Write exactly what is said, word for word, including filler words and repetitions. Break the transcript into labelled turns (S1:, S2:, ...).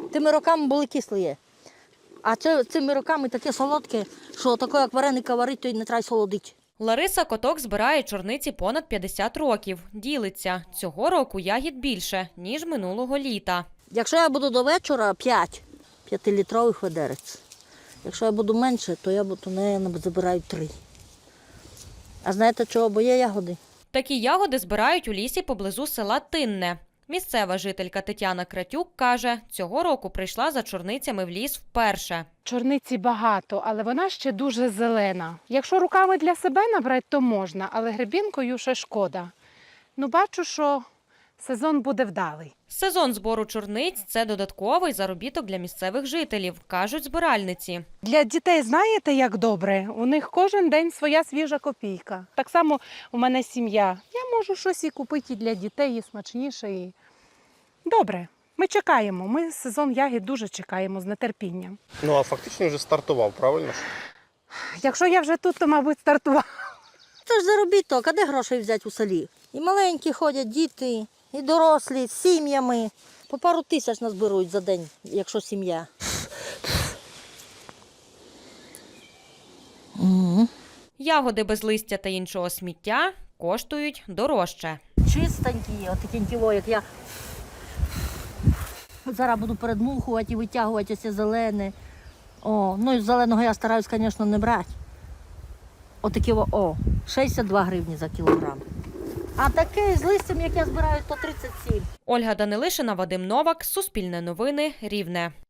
S1: Тими роками були кислі. А це, цими роками таке солодке, що таке, як вареника варить, то й не треба солодити.
S2: Лариса Коток збирає чорниці понад п'ятдесят років. Ділиться. Цього року ягід більше, ніж минулого літа.
S1: Якщо я буду до вечора, п'ять п'ятилітрових ведерець. Якщо я буду менше, то я буду, не забираю три. А знаєте чого? Бо є ягоди.
S2: Такі ягоди збирають у лісі поблизу села Тинне. Місцева жителька Тетяна Кратюк каже, цього року прийшла за чорницями в ліс вперше.
S3: Чорниці багато, але вона ще дуже зелена. Якщо руками для себе набрати, то можна, але гребінкою ще шкода. Ну, бачу, що сезон буде вдалий.
S2: Сезон збору чорниць – це додатковий заробіток для місцевих жителів, кажуть збиральниці.
S3: Для дітей знаєте, як добре? У них кожен день своя свіжа копійка. Так само у мене сім'я. Я можу щось і купити і для дітей, і смачніше. І... Добре, ми чекаємо. Ми сезон ягід дуже чекаємо з нетерпінням.
S4: Ну, а фактично вже стартував, правильно?
S3: Якщо я вже тут, то, мабуть, стартувала.
S1: Це ж заробіток, а де грошей взяти у селі? І маленькі ходять, діти, і дорослі, з сім'ями. По пару тисяч назбирують за день, якщо сім'я. Угу.
S2: Ягоди без листя та іншого сміття коштують дорожче.
S1: Чистенькі, отакі, як я зараз буду передмухувати і витягувати ось зелене. О, ну і зеленого я стараюсь, звісно, не брати. Отакі, о, шістдесят два гривні за кілограм. А таке з листям, як я збираю, то тридцять сім.
S2: Ольга Данилишина, Вадим Новак, Суспільне новини, Рівне.